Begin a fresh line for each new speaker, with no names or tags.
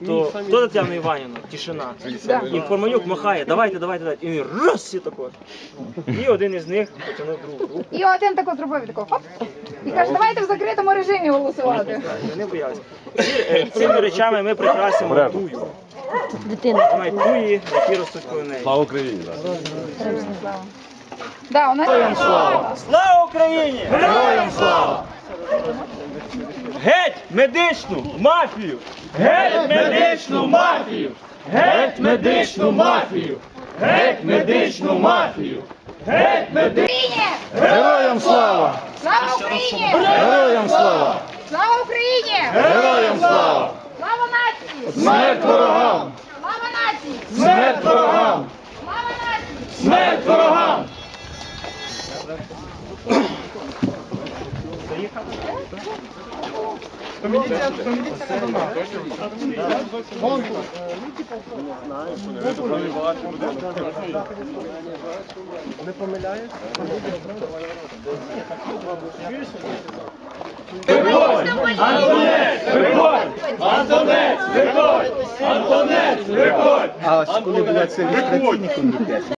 то хто Тетяна Іванівна? Тишина. І Форманюк махає, давайте, давайте, давайте. І він раз всі тако. І один із них потягнув другу руку.
І один тако зробив, тако, хоп. І каже, давайте в закритому режимі голосувати.
Вони боялися. Цими речами ми прикрасимо тую. Дитина. Мають туї, які ростуть коло неї.
Слава Україні!
Да, у нас...
Слава Україні! Героям слава! Геть медичну мафію! Геть медичну мафію! Геть медичну мафію! Геть медичну мафію! Геть медичну!
Героям слава!
Слава Україні!
Героям слава!
Слава Україні!
Героям слава!
Слава нації!
Смерть ворогам!
Слава нації!
Смерть ворогам!
Слава нації!
Смерть ворогам!
Не помиляєш?
Виходь! Антонець! Виходь! Антонець! Виходь! Антонець! Виходь!
А коли, блядь, це ілюстраційний комітет?